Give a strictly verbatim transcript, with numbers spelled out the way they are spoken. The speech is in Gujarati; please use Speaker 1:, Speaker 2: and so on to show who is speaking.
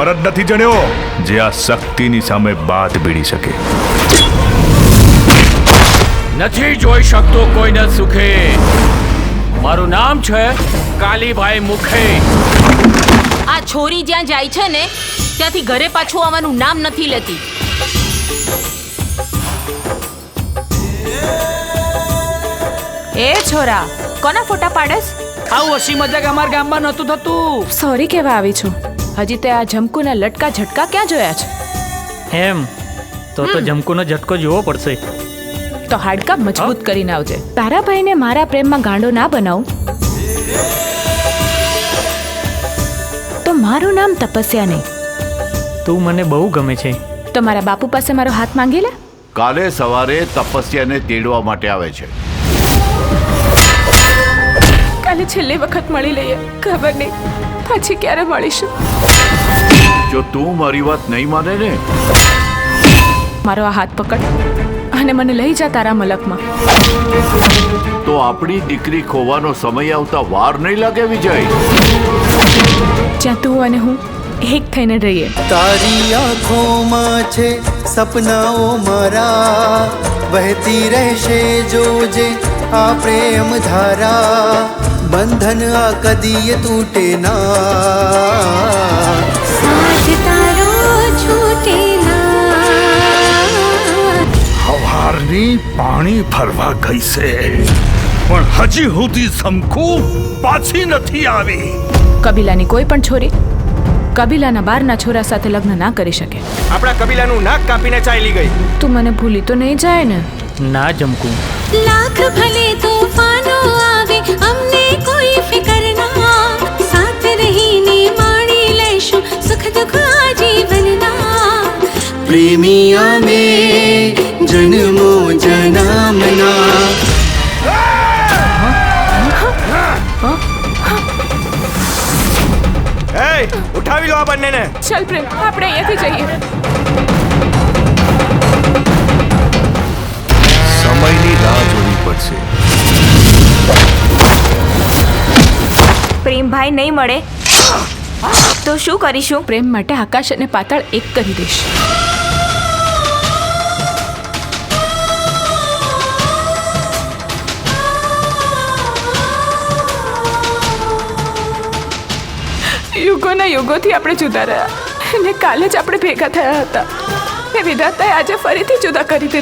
Speaker 1: જ નથી જણ્યો જે આ શક્તિની સામે બાથ ભીડી શકે.
Speaker 2: નથી જોઈ શકતો કોઈને સુખે. મારું નામ છે કાલીભાઈ મુખે.
Speaker 3: આ છોરી જ્યાં જાય છે ને ત્યાંથી ઘરે પાછું આવવાનું નામ નથી લેતી.
Speaker 4: એ છોરા, કોના ફોટા પાડસ?
Speaker 2: આવું હસી મજાક અમારા ગામમાં નહોતું થતું.
Speaker 4: સોરી કહેવા આવી છું. હજી તે આ જમકુના લટકા ઝટકા ક્યાં જોયા છે?
Speaker 5: એમ તો તો જમકુનો ઝટકો જોવો પડશે.
Speaker 4: તો હાડકા મજબૂત કરીને આવજે. તારા ભાઈને મારા પ્રેમમાં ગાંડો ના બનાવું તો મારું નામ તપસ્યા નહીં.
Speaker 5: તું મને બહુ ગમે છે.
Speaker 4: તો મારા બાપુ પાસે મારો હાથ માંગી લે.
Speaker 6: કાલે સવારે તપસ્યાને તેડવા માટે આવે છે.
Speaker 4: કાલે છેલ્લી વખત મળી લઈએ. ખબર નહીં પછી ક્યારે મળીશું.
Speaker 6: જો તું મારી વાત નહીં માને ને
Speaker 4: મારો આ હાથ પકડ અને મને લઈ જા તારા મલકમાં.
Speaker 6: તો આપણી દીકરી ખોવાનો સમય આવતા વાર નહીં લાગે વિજય.
Speaker 4: જ્યાં તું અને હું એક થઈને રહીએ.
Speaker 7: તારી આંખોમાં છે સપનાઓ મારા, વહેતી રહેશે જોજે આ પ્રેમ ધારા, બંધન આ કદીએ તૂટે ના,
Speaker 8: સાથ તારો છૂટે ના.
Speaker 1: હવારની પાણી ભરવા ગઈ છે પણ હજી સુધી શંકુ પાછી નથી આવી.
Speaker 4: કબીલાની કોઈ પણ છોરી કબીલાના બારના છોરા સાથે લગ્ન ના કરી શકે.
Speaker 2: આપણા કબીલાનું નાક કાપીને ચાલી ગઈ.
Speaker 4: તું મને ભૂલી તો નહીં જાય ને?
Speaker 5: ના જમકુ.
Speaker 8: લાખ ભલે તૂફાનો આવે અમને કોઈ ફિકર ના, સાથ રહીને માણી લેશું સુખ દુઃખ આજીવનના.
Speaker 7: પ્રેમિયા મે જન્મો જનામના.
Speaker 2: એ ઉઠાવી લો આ બંનેને.
Speaker 4: ચાલ પ્રેમ, આપણે અહીંયાથી જઈએ.
Speaker 1: સમયની રાહ જોવી પડશે.
Speaker 4: પ્રેમભાઈ નહીં મળે તો શું કરીશું? પ્રેમ માટે આકાશ અને પાતાળ એક કરી દઈશ. યુગોના યુગોથી આપણે જુદા રહ્યા અને કાલે જ આપણે ભેગા થયા હતા. એ વિધાતાએ આજે ફરીથી જુદા કરી દીધા.